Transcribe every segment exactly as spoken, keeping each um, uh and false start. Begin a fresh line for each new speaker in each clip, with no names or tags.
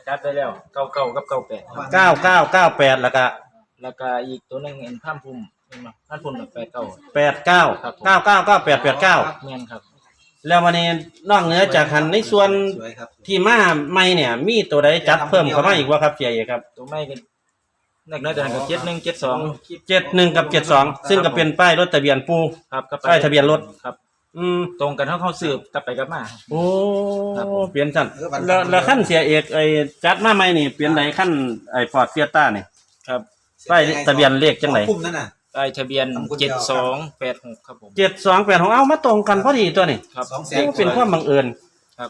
จัดได้แล้วเก้าเก้ากับเก้าแปด
เก้าเก้าเก้าแปดแล้วก็
แล้วก็อีกตัวหนึ่งเอ็นข้ามพุ่มเห็นไหมข้ามพุ่มแบบแปดเก้า
แปดเก้าเก้าเก้าเก้าแปดแปดเก้า
เมียนครับ
แล้ววันนี้นอกเหนือจากหันในส่วนที่มาใหม่เนี่ยมีตัวใดจัดเพิ่มเข้ามาอีกว่าครับเสียเอกครับ
ตัวไม่กันนักน้อยแต่กับเจ็ดหนึ่งเจ็ดสอง
เจ็ดหนึ่งกับเจ็ดสองซึ่งก็เป็นป้ายรถทะเบียนปู
ครับ
ป้ายทะเบียนรถ
ครับอืมตรงกันเท่าเข้าสืบกลับไปกลับมา
โอ้เปลี่ยนสั้นแล้วแล้วขั้นเสียเอกไอ้จัดมาใหม่นี่เปลี่ยนไหนขั้นไอ้ฟอร์ดเฟียต้านี่
ครับ
ป้ายทะเบียนเลขจังไหน
ป้ายทะเบียนเจ็ดสองแปดหกครับผม
เจ็ดสองแปดหกเอามาตรงกันพอดีตัวนี่
ครับ
เป็นความบังเอิญ
ครับ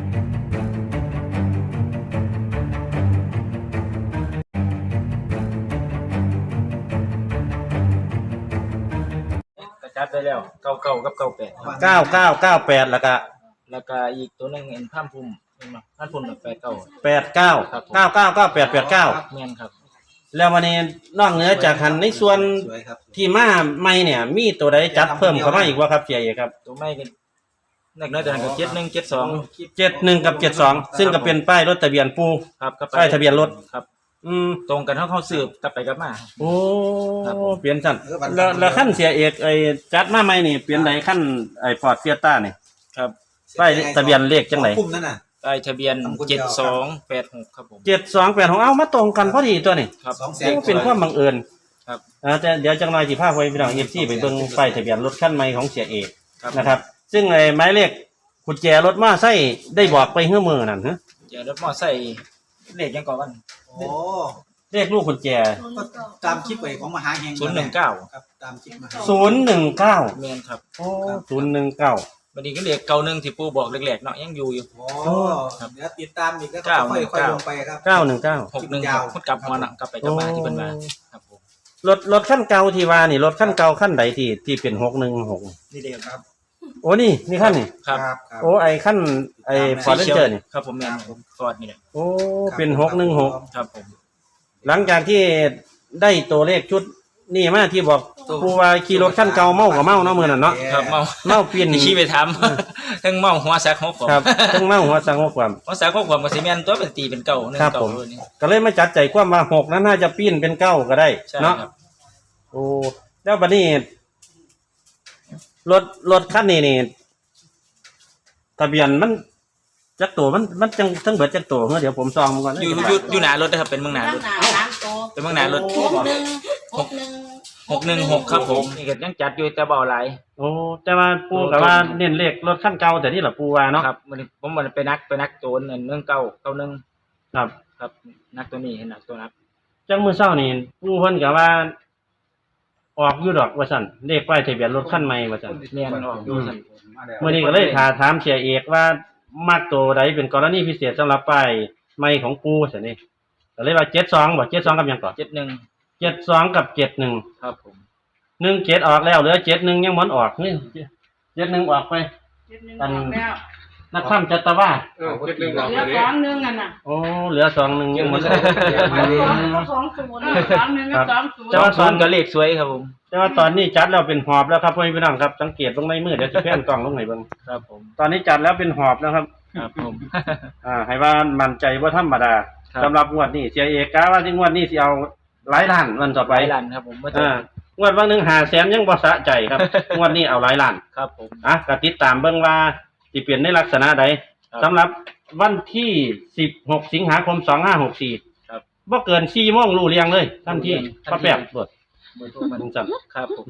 จัดได้แล้วเก้าเก้ากับเก้าแปด
เก้าเก้าเก้าแปดแล้วก็
แล้วก็อีกตัวหนึ่งเอ็นข้ามพุ่มเห็นไหมข้ามพุ่มแบบแปดเก้า
แปดเก้าเก้าเก้าเก้าแปดแปดเก้า
เมียนครับ
แล้ววันนี้นอกเหนือจากหันในส่วนที่มาใหม่เนี่ยมีตัวใดจัดเพิ่มเข้ามาอีกว่าครับเสียเอกครับ
ตัวไม่กันนักน้อยแต่กับเจ็ดหนึ่งเจ็ดสอง
เจ็ดหนึ่งกับเจ็ดสองซึ่งก็เป็นป้ายรถทะเบียนปู
ครับ
ป้ายทะเบียนรถ
ครับอืมตรงกันเท่าเข้าสืบกลับไปกลับมา
โอ้เปลี่ยนสั้นแล้วแล้วขั้นเสียเอกไอ้จัดมาใหม่นี่เปลี่ยนไหนขั้นไอ้ฟอร์ดเฟียต้านี่
ครับ
ป้ายทะเบียนเลขจังไหน
ป้ายทะเบียนเจ็ดสองแปดหกครับผม
เจ็ดสองแปดหกเอามาตรงกันพอดีตัวนี่
ครับ
เป็นความบังเอิญ
ครับ
แต่เดี๋ยวจังหน่อยสิพาไปพี่น้องเอฟซีไปเบิ่งป้ายทะเบียนรถขั้นใหม่ของเสียเอกนะครับซึ่งไอ้หมายเลขกุญแจรถมาใส่ได้บอกไปเฮื่อมือนั่นฮะ
กุญแจรถมอใส่เลขยังก่อนวัน
โอ้
เลขลูกกุญแจ
ตามคลิปไปของมหาเฮง
ศูนย์หนึ่งเก้า
ครับตามคลิปมา
ศูนย์หนึ่งเก้า
เมียนครับ
โอ้ศูนย์หนึ่งเก้า
วันนี้ก็เลขเก้าหนึ่งที่ปู่บอกเล็กๆเนาะยังอยู่อยู่
โอ้เดี๋ยวติดตามอีกก็ค่อยๆลงไปครับ
เก้าหนึ่งเก้า
หกหนึ่งหกกลับหัวหนังกลับไปกลับมาที่เป็นมาครับผม
รถรถขั้นเก่าที่ว่านี่รถขั้นเก่าขั้นใดที่ที่เป็นหกหนึ่งหก
นี่เดียวครับ
โอ้นี่นี่ขั้นนี่
ครับ
โอ้ไอขั้นไอฟอร์ดเรนเจอร์นี่
ครับผมแมนผมฟอร์ดนี่แหละ
โอ้เป็นหกหนึ่งหก
ครับผม
หลังจากที่ได้ตัวเลขชุดนี่มาที่บอกผู้ว่าขี่รถขั้นเก่าเมากับเมาเนาะมือนั่นเนาะ
ครับเมา
เมาเปลี่ยน
ขี่ไปทำทั้งเมาหัวสักหก
ครับทั้งเมาหัวสักหกความ
หัวสักหกความกับซีเมนตัวเป็นตีเป็นเก่าหนึ่งเก่า
ก็เลยมาจัดใจความว่าหกนั้นน่าจะปีนเป็นเก้าก็ได้เนาะโอ้แล้วบัดนี้รถรถคันนี้นี่ทะเบียนมันจักตัวมันมันจังทั้งเบิดจักตัวเดี๋ยวผมซองมันก่อน
อยู่อยู่อยู่หน้ารถนะครับเป็นเมืองหน้ารถเป็นเมืองหน้ารถ
หกหนึ่งหกหนึ่ง
หกหนึ่งหกครับผมนี่ก็ยังจัดอยู่แต่เบาไหล
โอ้แต่ว่าปูกับว่าเน้นเลขรถขั้นเก่าแต่นี่แหละปูว่าเนาะ
ครับมันผมมันไปนักไปนักโจนเนื่องเก่าเก่าหนึ่ง
ครับ
ครับนักตัวนี้เห็นนักตัวนัก
จังมือเช้านี่ปูเพิ่นกับว่าออกอยู่ดอกว่าสั่นเลขป้ายทะเบียนรถขั้นใหม่ว่าสั่น
เนียนออกอยู่สั่น
เมื่อนี้ก็เลยถาถามเสียเอกว่ามักตัวใดเป็นกรณีพิเศษสำหรับป้ายใหม่ของปูสั่นนี่ก็เลยว่าเจ็ดสองบอกเจ็ดสองกับยังก่อน
เจ็ดหนึ่ง
เจ็ดสองกับเจ็ดหนึ่ง
ครับผม
หนึ่งเจ็ดออกแล้วเหลือเจ็ดหนึ่งยังมันออกนี่เจ็ดหนึ่งออกไป
อัน
นักข้ามจัตตาว่า
เหลือสองหนึ่งอันน่ะ
โอ้เหลือสองหนึ่งยังมัน
สองศูนย์สองหนึ่งกับสองศูนย์
เจ้าตอนก็เลขสวยครับผม
แต่ว่าตอนนี้จัดแล้วเป็นหอบแล้วครับพ่อพี่น้องครับสังเกตตรงในมือเดี๋ยวจะแพนกล่องลงไหนบ้าง
ครับผม
ตอนนี้จัดแล้วเป็นหอบแล้วครับ
ครับผม
อ่าให้ว่ามั่นใจว่าธรรมดาสำหรับงวดนี้เสียเอกกะว่าที่งวดนี้สิเอาหลายล้านวันต่อไป
หลายล้านครับผม
อ่างวดวันหนึ่งหาแสนยังบ่สะใจครับงวดนี้เอาหลายล้าน
ครับผม
อ่ะก็ติดตามเบิ่งว่าสิเปลี่ยนในลักษณะใดสำหรับวันที่สิบหกสิงหาคมสองห้าหกสี่
ครับ
บ่เกินสี่โมงรู้เรียงเลยทันทีพระแป๊บตรวจ
เบอร์โทรมันจังครับผม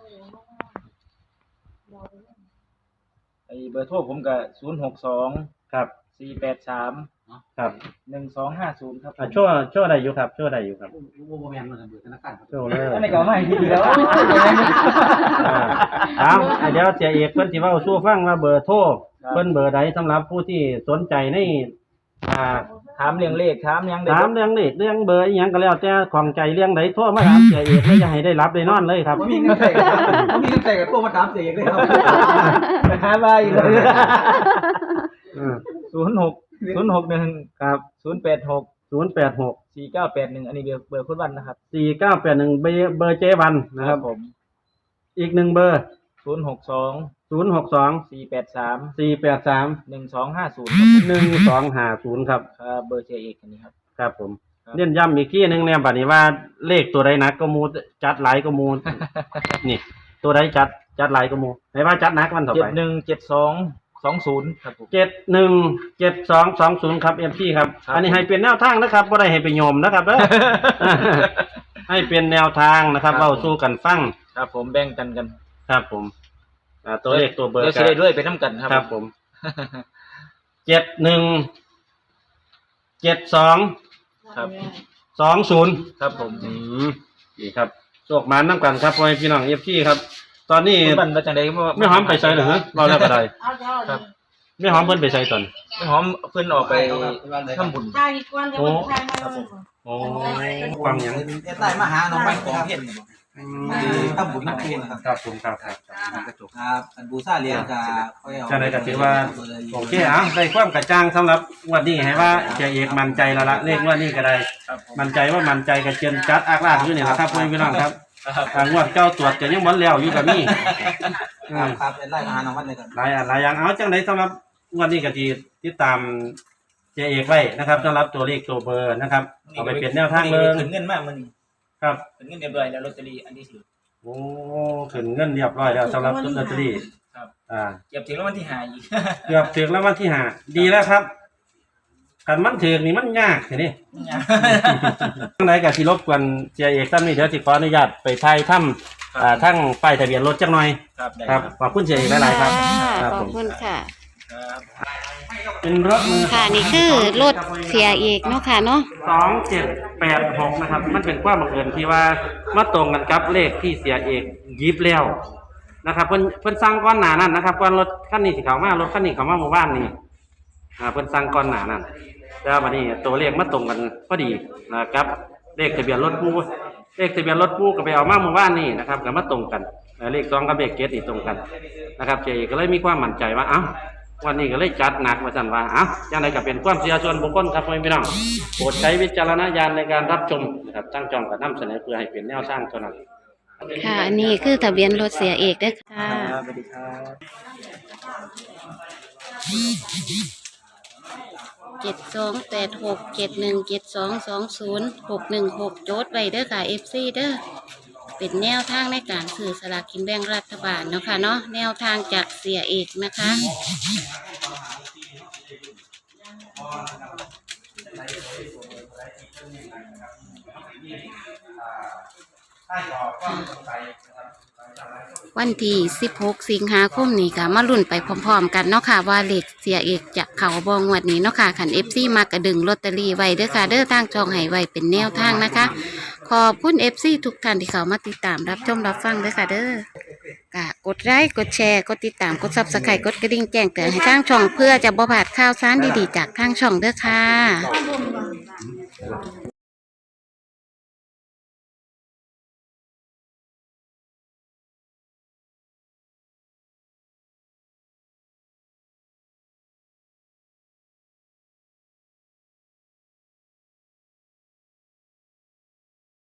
ไอ้เบอร์โทรผมก็ศูนย์หกสอง
ครับ
สี่แปดสาม
ครับ
หนึ่งสองห้าศูนย์ครับ
อ่าชั่วชั่วใดอยู่ครับชั่วใดอยู่ครับ
โอ้โหแม่นมันเบิดธนาคารครับ
ชั่วเลย
อันนี้ก็ไม่ดีแล้ว
อ่าเดี๋ยวเสียเอกเพิ่นสิเว้าสู่ฟังว่าเบอร์โทรเพิ่นเบอร์ใดสำหรับผู้ที่สนใจในอ่า
ถามเรื่องเลขถามยัง
ถามเรื่องเลขเรื่องเบอร์อีหยังก็แล้วแต่ของใจเรื่องใดโทรมาถามเสียเอกเลยอย่าให้ได้รับได้นอนเลยครับ
บ่มีเงินใส่บ่มีเงินใส่ก็โทรมาถามเสียเอกเลยครับ
หาว่าอีกเลยศูนย์หกศูนย์หกหนึ่ง
ครับ
ศูนย์แปดหก
ศูนย์แปดหก
สี่เก้าแปดหนึ่งอันนี้เบอร์เบอร์คุณวันนะครับ
สี่เก้าแปดหนึ่งเบอร์เบอร์เจวันนะครับ
ผม
อีกหนึ่งเบอร์
ศูนย์หกสอง
ศูนย์หกสอง
สี่แปดสาม
สี่แปดสาม
หนึ่งสองห้าศูนย์
หนึ่งสองห้าศูนย์ครับ
ครับเบอร์เชียร์เอกอันนี้ครับ
ครับผม
ครับ
เน้นย้ำอีกทีหนึงเนี่ยบัดนี้ว่าเลขตัวใดหนักก็หมูจัดหลายก็หมู นี่ ตัวใดจัดจัดหลายก็หมูให้ว่าจัดหนักมันต่อ
เจ็
ไป
ดหนึ่งเจ็ดสองสองศูนย์ครับผม
เจ็ดหนึ่งเจ็ดสองสองศูนย์ครับเอ็มซีครับ
ครับ
อันนี้ให้เป็นแนวทางนะครับไม่ได้ให้ไปโยมนะครับเด้อ ให้เป็นแนวทางนะครับ
ครับ
เราสู้กันฟัง
ครับผมแบ่งกันกัน
ครับผมอ่าตัวเลขตัวเบอร์
เดี๋ยว
กั
จะได้ด้วยไปน้ำกันครับ
ครับผมเจ็ดหนึ่งเจ็ดสอง
ครับ
สองศูนย์
ครับผม
อืมนี่ครับโชคมาน้ำกันครับพ่อแม่พี่น้องเอฟซีครับ ตอนนี้
คุณบันมาจากไหน
ไม่หอมไปใส่เหรอฮะเราแล้วก็ได้
เอาเจ้า
ครับ
ไม่หอมเพิ่นไปใส่ตอน
ไม่หอมเพื่อนออกไปทำบุญ
ทายอีกวันเดี๋ยวมันทายมาเลย
โอ้ฟังหยัง
ใต้มาหาน้องใบของเพี้ยน
อื
ทำบุญน้ำปูนะครับ
ครับผมครับครับ
ครับอันบูซาเรียนกับค่อยเอา
จะได้ก็ถือว่าโอเคอ่ะได้ความกระจ่างสำหรับงวันนี้ให้ว่าเจเอกมั่นใจแล้วละเลขงวันนี้ก็ได้
ครับผม
มั่นใจว่ามั่นใจกับเจนจัดอากลากอยู่นี่แหละครับพ่อแม่พี่น้องครับ
ครับ
อ่างวดเก้าตรวจจะยังบ่แล้วอยู่กับนี่
ครับครับเป็นไล่มาหาน้องวันเลยกัน
หลายอันหลายอย่างเอาจังไดสำหรับงวันนี้ก็ที่ติดตามเจเอกไว้นะครับสำหรับตัวเลขตัวเบอร์นะครับเอาไปเป็นแนวทางเบอร์
ขึ้นเงินมากมัน
ครับ
ขึ้นเงินเรียบร้อยแล้วลอตเตอรี่อันนี้ถือ
โอ้ขึ้นเงินเรียบร้อยแล้วสำหรับลอตเตอรี่
ครับ
อ่า
เก็บถึงแล้ววันที่หาอีก
เกือบถึงแล้ววันที่ห้าดีแล้วครับกันมันถึงนี่มันยากทีนี้ ทางไหนกับที่รบกวนเจเอกท่านนี้เดี๋ยวสิขออนุญาตไปถ่ายถ้ำอ่าทั้งป้ายทะเบียนรถจักหน่อย
ครับได้
ค
ค
รั
รั
บบ ขอบคุณเจเอกหลายๆครับ ครับ
ข
ผ
อบ
ม
คุณค่ะ
ครับ
เป็นรถมือ
ค่ะนี่คือรถเสียเอกเนาะค่ะเนาะ
สองเจ็ดแปดหกนะครับ มันเป็นความบังเอิญที่ว่ามาตรงกันกับเลขที่เสียเอกยิบแล้วนะครับเพิ่นเพิ่นสั่งก่อนหน้านั้นนะครับก่อนรถคันนี้สิเข้ามารถคันนี้เข้ามาหมู่บ้านนี่อ่าเพิ่นสั่งก่อนหน้านั้นแล้วบัดนี้ตัวเลขมาตรงกันพอดีนะครับเลขทะเบียนรถปูเลขทะเบียนรถปูก็ไปเอามาหมู่บ้านนี่นะครับก็มาตรงกันเอ่อเลขสองกับเลขเจ็ดนี่ตรงกันนะครับเจก็เลยมีความมั่นใจว่าเอ้าวันนี้ก็เลยจัดหนักว่าซั่นว่าเอ้าจังไดก็เป็นความเชื่อส่วนบุคคลครับพ่อแม่พี่น้องโปรดใช้วิจารณญาณในการรับชมนะครับตั้งจองกับนำเสนอเพื่อให้เป็นแนวทางเท่านั้น
ค่ะอันนี้คือทะเบียนรถเสียเอกเด้อค่ะ
ครับสวัสดีครับ
เจ็ดสองแปดหกเจ็ดหนึ่งเจ็ดสองสองศูนย์หกหนึ่งหกโจทย์ไว้เด้อค่ะเอฟซีเด้อเป็นแนวทางในการซื้อสลากกินแบ่งรัฐบาลเนาะค่ะเนาะแนวทางจากเสียเอกนะคะ วันที่สิบหกสิงหาคมนี้ค่ะมาลุ้นไปพร้อมๆกันเนาะค่ะว่าเลขเสียเอกจะเข้าบองวดนี้เนาะค่ะขันเอฟซีมากระดึงลอตเตอรี่ไว้เด้อค่ะเด้อทางจองให้ไว้เป็นแนวทางนะคะ ขอบคุณเอฟซีทุกท่านที่เข้ามาติดตามรับชมรับฟังเด้อค่ะเด้อกะกดไลค์กดแชร์กดติดตามกดซับสไครต์กดกระดิ่งแจ้งเตือนให้ทางช่องเพื่อจะบ่พลาดข่าวสารดีๆจากทางช่องเด้อค่ะ